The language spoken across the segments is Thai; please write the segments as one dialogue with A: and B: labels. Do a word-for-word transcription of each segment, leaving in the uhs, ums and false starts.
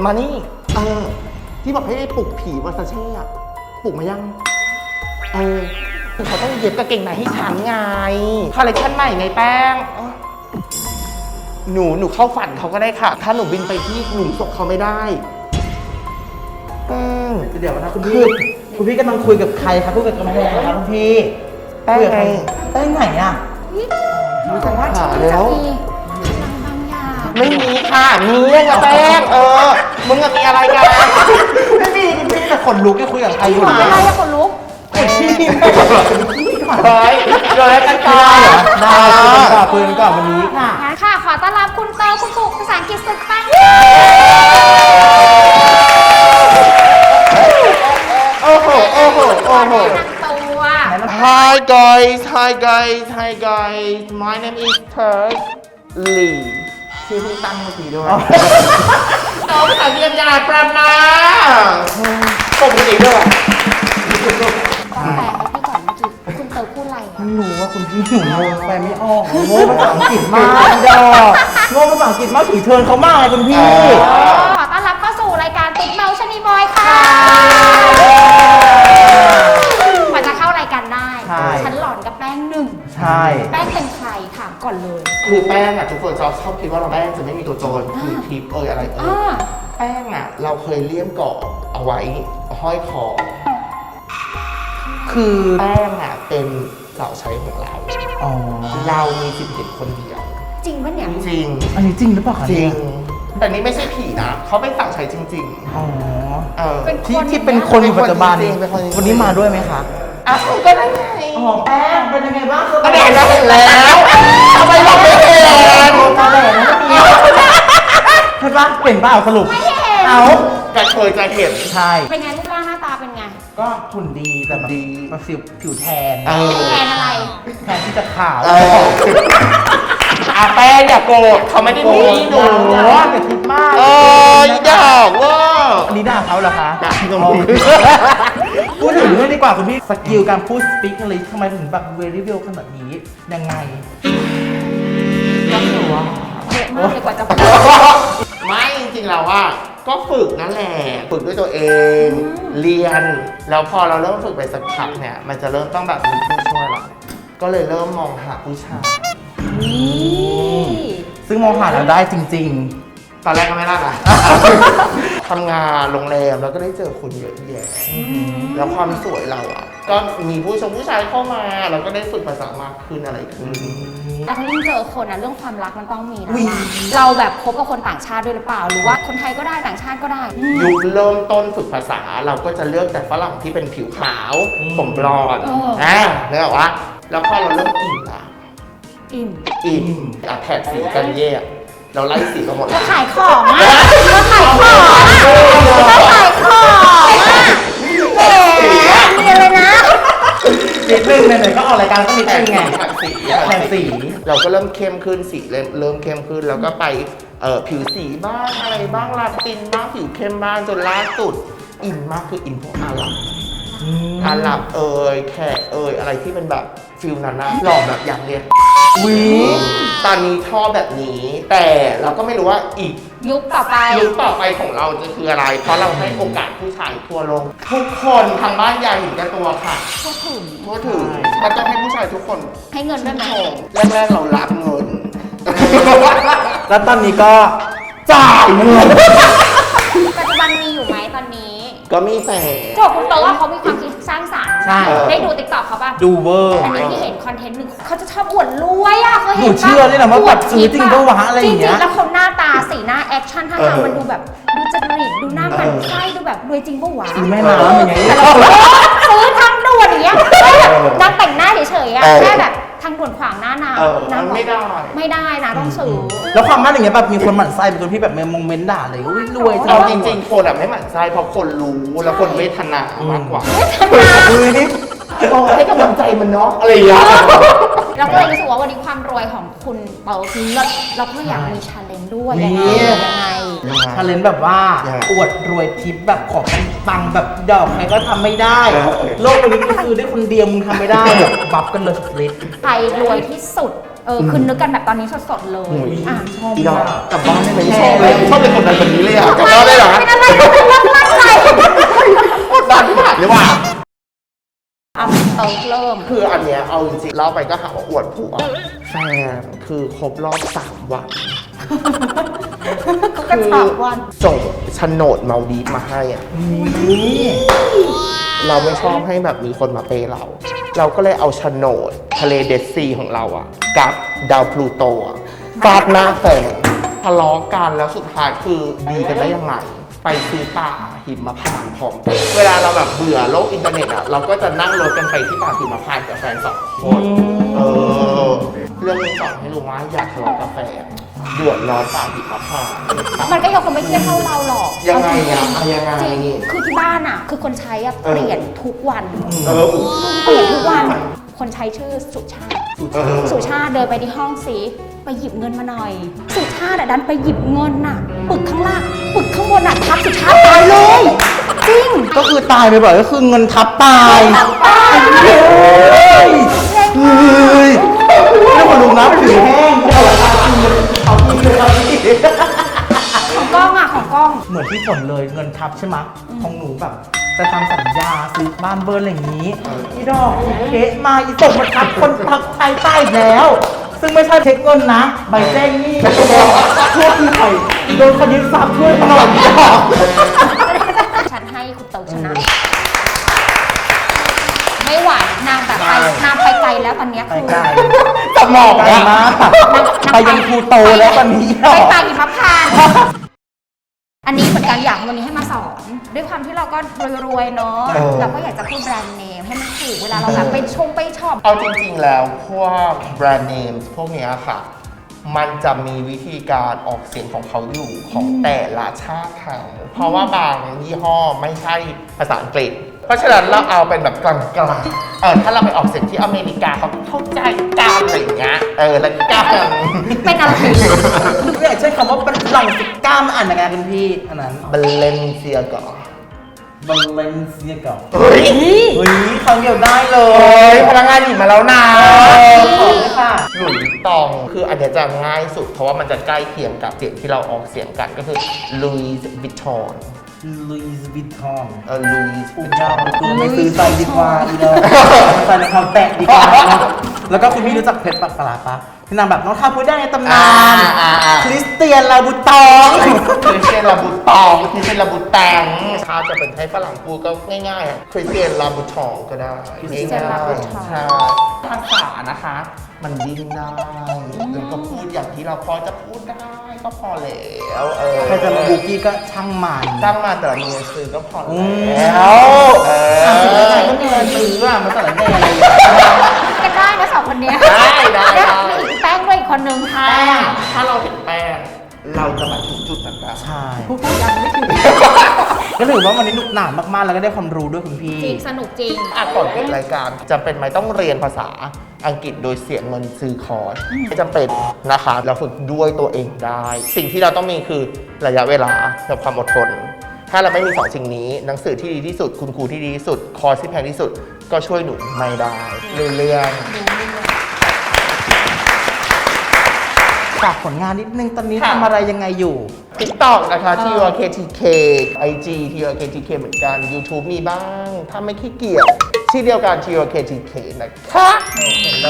A: มานี่เออที่บอกให้ปลุกผีวาซาเช่อะปลุกมายังเออเขาต้องเย็บกางเกงในให้ฉันไงคอลเลคชันใหม่ไงแป้งหนูหนูเข้าฝันเขาก็ได้ค่ะถ้าหนูบินไปที่หลุมศพเขาไม่ได้แป้ง
B: เดี๋ยวนะคุณพี่คุณพี่กำลังคุยกับใครครับคุยกับกำแพงครับคุณพี่
A: แป้งไง
B: แป้งไหนอ่ะ
A: รู้จักว่า
C: จะ
A: แล้ว
C: มีพลังบางอย่าง
A: ไม่มีค่ะมียังไงแป้งเออมึงอะมีอะไรกัน
B: ไม่มีคุณพี่แต่ขนลุกแค่คุยกับใครอยู่
C: อะไร
B: เนี่ย
C: อะคนลุก
B: คุณพี่
A: เฮ้ยเดี๋ยวแล้วกันก่อน
B: ได้คุยกันก่อนคุยกันก่อนวันนี้ค่ะ
C: งั้นค่ะ ขอต้อนรับคุณเตอร์คุณปุกภาษาอังกฤษสุดปัง
A: โอ้โหโอ้โหโอ้โห
C: แนะนำตัว
A: Hi guys Hi guys Hi guys My name is Turk Lee ชื่อเพิ่งตั้งเมื่อกี้ด้วยน้องภาษาเรียนยาประมาปกติด้วย
C: แปลให้พี่ก่อนเมื่อกี้คุณเตอร์พูดอะไรอะ
B: ไม่รู้ว่าคุณพี่หนูงงไปไม่ออกโง่ภาษาอังกฤษมากดอกโง่ภาษาอังกฤษมากผีเทิร์นเขามากเลยคุณพี่
C: ขอต้อนรับเข้าสู่รายการติ๊กเมาชนีบอยค่ะกว่าจะเข้ารายการได้ ฉันหลอนกับแป้งหนึ่ง
B: ใช่
C: แป้งเป็นใครถามก่อนเลย
A: คือแป้งอ่ะทุกคนชอบชอบคิดว่าเราแป้งจะไม่มีตัวตนคือทิปเอยอะไรเอ
C: อ่า
A: อแป้งอ่ะเราเคยเลี่ยมเกาะเอาไว้ห้อยคอ
B: คือ
A: แป้งอ่ะเป็นสาวใช้ของเรา
B: อ๋อ
A: เรามีสิทธิ์เห็นคนเดียว
C: จริงปะเนี่ย
A: จริง
B: อันนี้จริงหรือเปล่าคะ
A: จริ
B: เนี่
A: ง
B: ย
A: แต่นี่ไม่ใช่ผีนะเขาเป็นสาวใช้จริง
B: อ๋อ
A: ๆ เออ
C: เป็น
B: ที่
C: คน
B: ที่เป็นคนอยู่ปัจจุบัน
A: เป็นคนจริงๆเป็นคนจริงๆ
B: วันนี้มาด้วยไหมคะ
A: อ่ะก็ได้ไง
B: อ๋อแป้งเป็นยังไงบ้าง
A: ก็เห็นแล้วเห็นแล้วทำไมเราไม่เห็น
B: ตาแดงนะพี่เห็นปะเห็นเปล่าสรุป
C: ไม่เห็น
B: เอา
A: จะเคยจะเห็น
B: ใช่
C: เป็นไงรูปร่างหน้าตาเป็นไง
B: ก็หุ่นดีแต่แบบ
A: ดี
B: แบบผิวผิวแทน
A: เออ
C: แทนอะไร
B: แทนที่จะขาว
A: เอออาแป้งอย่าโกรธเขาไม่ได้มีหนู
B: อย่าคิดมาก
A: เอออยากว่า
B: อันนี้ด่าเขาเหรอคะ
A: ด่าที่ตรง
B: อ๋อ
A: นี้
B: พูดถึงเรื่องดีกว่าคุณพี่สกิลการพูด speak English ทำไมถึงแบบ very well ขนาดนี้ยังไง
A: ก็คือว่า
C: เยอะมากเลยกว่าจะพูด
A: ไม่จริงๆแล้วว่าก็ฝึกนั่นแหละฝึกด้วยตัวเอง เรียนแล้วพอเราเริ่มฝึกไปสักพักเนี่ยมันจะเริ่มต้องแบบมีผู้ช่วยเราก็เลยเริ่มมองหาผู้ชาย
C: นี่
B: ซึ่งมองหาเราได้จริง
A: ตอนแรกก็ไม่ได้นะทำงานโรงแรมแล้วก็ได้เจอคนเยอะแยะแล้วความสวยเราอ่ะก็มีผู้ชมผู้ชายเข้ามาเราก็ได้ฝึกภาษามากขึ้นอะไรขึ้น
C: แต่ถ้ายิ่งเจอคนนะเรื่องความรักมันต้องมีนะเราแบบคบกับคนต่างชาติด้วยหรือเปล่า หรือว่าคนไทยก็ได้ต่างชาติก็ได้
A: ยุคเริ่มต้นฝึกภาษาเราก็จะเลือกแต่ฝรั่งที่เป็นผิวขาวผมบลอนด์อ่าเนี่ยว่าแล้วพอเราเริ่มอิ่มละ
C: อิ่ม
A: อิ่มอ่ะแผดสีกันแย่เราไล่สีกันหมด
C: เราขายของอ่ะเราขายของอ่ะเราขายของอ่ะแหมมีอะไรนะ
B: ๆนิดนึงไหนๆก็ออกรายการก็นิด
A: แต่
B: นึ
A: ง
B: งไง
A: แผดสี
B: แทนสี
A: เราก็เริ่มเข้มขึ้นสีเริ่มเริ่มเข้มขึ้นแล้วก็ไปเอ่อผิวสีบ้างอะไรบ้างลาตินบ้างผิวเข้มบ้างจนล่าสุดอินมากคืออินพวกอาหรับ อาหรับเอ่ยแขกเอ่ยอะไรที่เป็นแบบฟิลนั้นนะหล่อแบบอย่างเนี้ย
B: วิ
A: ตอนนี้ชอบแบบนี้ แต่เราก็ไม่รู้ว่าอีก
C: ยุคต่อไป
A: ยุคต่อไปของเราจะคืออะไร เพราะเราให้โอกาสผู้ชายทั่วโลกทุกคนทางบ้านอยากเห็นแกันตัวค่ะ
C: พูดถึง
A: ทั่วถึงก็ต้องให้ผู้ชายทุกคน
C: ให้เงินด้วยไหม
A: ชมแรกๆเรารับเงิน
B: แล้วตอนนี้ก็จ่ายเงิน
C: ปัจจุบันมีอยู่ไหมตอนนี้
A: ก็มีแฟน
C: โจคุณโตว่าเขามีความคิดสร้างสรรค์
B: ใช่
C: ได้ดูติ๊กต็อกเขาป่ะ
B: ดูเวอร์
C: แต่ที่เห็นคอนเทนต์หนึ่งเขาจะชอบอวดรวยอ่ะเคย
B: ห
C: เห็
B: นู
C: นปะ
B: เชื่อเลยนะว่าแบบซื้อจริงปะวะอะไรอย่างเงี้ย
C: จริงๆแล้วเขาหน้าตาสีหน้าแอคชั่นท่าทางมันดูแบบดูจริตดูหน้ามันไส้ดูแบบรวยจริงปะวะ
B: ซื้อแม่น้ำอย่างเงี้ย
C: แต่เราซื้อทางด่วนอย่างเงี้ยไม่แบบนางแต่งหน้าเฉยๆอ่ะแค่แบบทางด่วนขวางหน้าน้
A: เออ
C: ำน้ำ
A: ไม่ได้
C: ไม่ได้นะต้องซื้อ
B: แล้วความมั่นอย่างเงี้ยแบบมีคนหมั่นไส้เป็นคนที่แบบมองเมนต์ด่าเลยอุ้ยรวยจั
A: เอาจริงๆคนอะไม่หมั่นไส้เพราะคนรู้แล้วคนเวทนามากกว่า
B: อุ้ยนี่
A: โอ้ให้กำลังใจมันเนาะอะไรอย่างเงี้ย
C: เราก็เลยรู้สึกว่าวันนี้ความรวยของคุณเปาคือเลิศเราก็อยากมีชาเลนจ์ด้วยยังไงยังไง
B: ชาเลนจ์แบบว่าอวดรวยทิปแบบขอตังค์แบบดอกใครก็ทำไม่ได้ โลกใบนี้ก็คือได้คนเดียวมึงทำไม่ได้แบบบัฟกันเลยสปริต
C: ใครรวยที่สุด เออคือนึกกันแบบตอนนี้สดๆเลยอ่ะ
B: ชอบ
A: อีดอ
B: มาก ก
A: กลับบ้านได้ไหมไม่ชอบเลยชอบเป็นคนดันแบบนี้เลยอ่ะกลับบ้านได้เหรอ
C: เป็นอะไรก็เป็นรับมั่นใจ
A: กดดันมากเลยว่ะ
C: อ่ะเติร์กเริ่ม
A: คืออันเนี้ยเอาจริงๆเล่าไปก็หาว่าอวดผัวแฟนคือครบรอบสามวัน
C: ก็กระฉากวัน
A: ส่งโฉนดมาลดีฟมาให้อ่ะ
B: นี่
A: เราไม่ชอบให้แบบมีคนมาเปย์เรา เราก็เลยเอาโฉนดทะเลเดดซีของเราอ่ะ กับดาวพลูโตอ่ะฟาดหน้าแฟนทะเลาะกันแล้วสุดท้ายคือดีกันได้ยังไง ไปซื้อป่าหิมพานต์พร้อมกันเวลาเราแบบเบื่อโลกอินเทอร์เน็ตอ่ะ เราก็จะนั่งรถกันไปที่ป่าหิมพานต์กับแฟนสองคนเออ เรื่องนี้สอนให้รู้ว่าอย่าทะเลาะกับแฟนเดือดร้อนป่าหิมพานต์
C: มันก็ยังคงไม่เครียดเท่าเราหรอก
A: ยังไงอะ
C: เอาจริงๆ
A: ยังไง
C: จริงคือที่บ้านอ่ะ คือคนใช้อ่ะ
A: เออ
C: เปลี่ยนทุกวัน
A: เออ
C: เปลี่ยนทุกวัน คนใช้ชื่อสุชาติ
A: เออ
C: สุชาติเดินไปที่ห้องสิไปหยิบเงินมาหน่อย สุชาติอะดันไปหยิบเงินน่ะ ปึกข้างล่างปึกข้างบนน่ะทับสุชาติตายเลย จริง
B: ก็คือตายไปบ่อยก็คือเงินทับตาย
C: ตาย
B: เฮ้ยเฮ้ยแล้วคนลุงน้ำผิวแห้งเอาละเอากินเลยเอากินเลย
C: ของกล้องอ่ะของกล้อง
B: เหมือนที่ฝนเลยเงินทับใช่ไหมของหนูแบบจะทำสัญญาซื้อบ้านเบิร์นอะไรอย่างนี้อีดอกอีเกะมาอีส่งมาทับคนพักไทยใต้อีกแล้ว ซึ่งไม่ใช่เช็คเงินนะ ใบแจ้งหนี้ช่วยหน่อยโดนคดีทรัพย์ช่วยหน่อยอีดอก
C: ฉันให้คุณเติร์กชนะ ไม่ไหวนางแบบไปนางไปไกลแล้วตอนเนี้ย
B: ไป
C: คือ
B: ไกล
A: สมอง
B: ไกล
A: อะ
B: มากไปยังภูโตแล้วตอนนี้
C: ไปปางอิพับพานอันนี้เหมือนกันอยากวันนี้ให้มาสอน ด้วยความที่เราก็รวยๆเนาะเราก็อยากจะพูดแบรนด์เนมให้มันถูกเวลาเราแบบไปชงไปช็อป
A: เอาจริงๆแล้วพวกแบรนด์เนมพวกเนี้ยค่ะ มันจะมีวิธีการออกเสียงของเขาอยู่ของแต่ละชาติเขาเพราะว่าบางยี่ห้อไม่ใช่ภาษาอังกฤษ เพราะฉะนั้นเราเอาเป็นแบบกลางๆเออถ้าเราไปออกเสียงที่อเมริกาเขาเข้าใจกันอะไรอย่างเงี้ยเออแล้วกัน
C: เป็นอะไร
B: ไม่อยากใช้คำว่าเป็นหลังสิกล้ามอ่านยังไงคุณพี่อันนั้น
A: เบลเลนเซียก่อน
B: บัลเลนเซียก่อน
A: เฮ้ย
B: เฮ้ยคำเดียวได้เล
A: เฮ้
B: ย
A: ยพนักงานหยิบมาแล้วนะ
B: ขอบคุณค่ะ
A: หลุยส์ตองคืออันเนี้ยจะง่ายสุดเพราะว่ามันจะใกล้เคียงกับเสียงที่เราออกเสียงกันก็คือลุยส์วิตตอง
B: ลุยส์วิตตอง
A: เออลุยส์
B: อุจ้าตัวไม่ซื้อใส่ดีกว่าอีเดอใส่ในคำแตะดีกว่าแล้วก็คุณพี่รู้จักเพชรปักปลาปะที่นางแบบน้องข้าพูดได้ในตำนานคริสเตียนลาบูตอง
A: คริสเตียนลาบูตองคริสเตียนลาบูแตงถ้าจะเป็นให้ฝรั่งพูดก็ง่ายๆคริสเตียนลาบูทองก็ได้
C: คริสเตียนลาบูทอง
A: ใช่ภาษานะคะ มันดิ้นได้แล้วก็พูดอย่างที่เราพอจะพูดได้ก็พอแล้วเออ
B: ใครจะมาบูกี้ก็ช่างมัน
A: ตั้งมาแต่ละมีเงินซื้อก็พอ
B: อืม
A: แล้วเออ
B: อ่ะแล้วใครก็มีเงินซื้ออ่ะมันสารแหน่อะไรอย่างเงี้ย
C: กันได้นะสองคนเนี้ย
A: ได้ได้
C: แล้ว
A: ได้
C: มีอีกแป้งด้วยอีกคนนึงค่ะ
A: แป้งถ้าเราเห็นแป้งเราจะมาถึงจุดนั้นได้
B: ใช่
C: พูดพูดยังไม่ถึง
B: ก็ถือว่าวันนี้หนุกหนานมากๆ แล้วก็ได้ความรู้ด้วยคุณพี่
C: จริงสนุกจริง
A: อ่ะก่อนปิดรายการจำเป็นไหมต้องเรียนภาษาอังกฤษโดยเสียเงินซื้อคอร์สไม่จำเป็นนะคะเราฝึกด้วยตัวเองได้ สิ่งที่เราต้องมีคือระยะเวลากับความอดทน ถ้าเราไม่มีสองสิ่งนี้หนังสือที่ดีที่สุด คุณครูที่ดีที่สุด คอร์สที่แพงที่สุด ก็ช่วยหนุนไม่ได้เรื่อง
B: ฝากผลงานนิดนึงตอนนี้
A: ค่ะ
B: ทำอะไรยังไงอยู่
A: ติ๊กต็อกนะคะที่ ที เค ที เค ไอ จี ที เค ที เค เหมือนกัน YouTube มีบ้าง ถ้าไม่ขี้เกียจที่เดียวกัน ที เค ที เค นะคะ
B: เห็นเล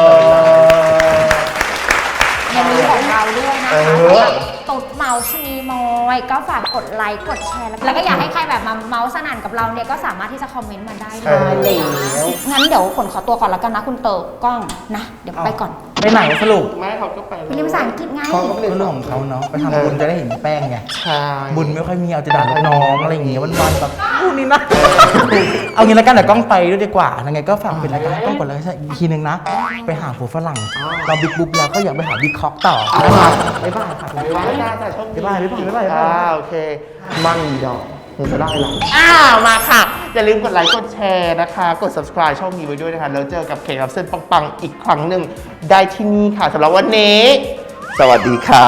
C: ยังมีของเราด้วยนะ
A: เอ
C: คะ
A: อ
C: สำหรับตุ๊ดเมาส์ชนีมอยก็ฝากกดไลค์กดแชร์ แล้วก็อยากให้ใครแบบมาเมาส์สนั่นกับเราเนี่ยก็สามารถที่จะคอมเมนต์มาได้เล
A: เออ
C: ยงั้นเดี๋ยวฝนขอตัวก่อนแล้วกันนะคุณเติร์กกล้องนะ เดี๋ยวไปก่อน
B: ไปไหนสรุป
A: แม่เขาก็ไป
C: ไปเรียนภาษาอังกฤษไง
B: เขาก็เป็นเรื่องของเขาเนาะไปทำบุญจะได้เห็นแป้งไง
A: ใช่
B: บุญไม่ค่อยมีเอาจะด่าลูกน้องอะไรอย่างเงี้ยวันๆแบบพูดนี่นะ เอางี้แล้วกันเดี๋ยวกล้องไปด้วยดีกว่ายังไงก็ฝากเป็นรายการให้กล้องกดไลค์อีกทีนึงนะ ไปหาผัวฝรั่งเราบิ๊กบุ๊กแล้วก็อยากไปหาบิ๊กคอกต่อนะครับบ๊ายบายค่ะ
A: บ๊ายบายจ้าจ้าโชคดี
B: บ๊ายบายบ๊ายบายบ๊ายบาย
A: อ่าโอเค มั่งอีดอกมึงจะได้หรออ้าวมาค่ะ อย่าลืมกดไลค์กดแชร์นะคะ กด subscribe ช่องนี้ไว้ด้วยนะคะ แล้วเจอกับเคกับเส้นปังๆ อีกครั้งหนึ่งได้ที่นี่ค่ะสำหรับวันนี้ สวัสดีค่ะ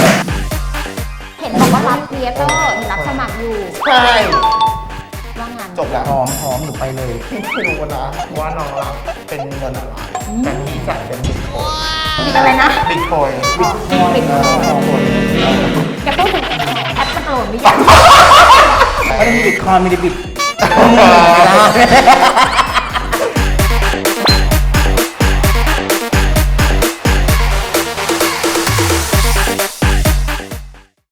C: เห็นบอกว่ารับเรียเตอร์เห็นรับสมัครอยู่
A: ใช่
C: ว่างั้น
A: จบแล้ว
B: หอมหอมหนูไปเลย
A: พี่ไม่รู้นะว่าน้องรับเป็นเงินอะไรแต่พี่จ่ายเป็นบิตคอย
C: มีอะไรนะ
A: บิตคอย
B: บิตคอยน์
C: จะพูดถึงแอปมันโหลดหรือยัง
B: ไม่ได้มีบิตคอยน์มีแต่บิต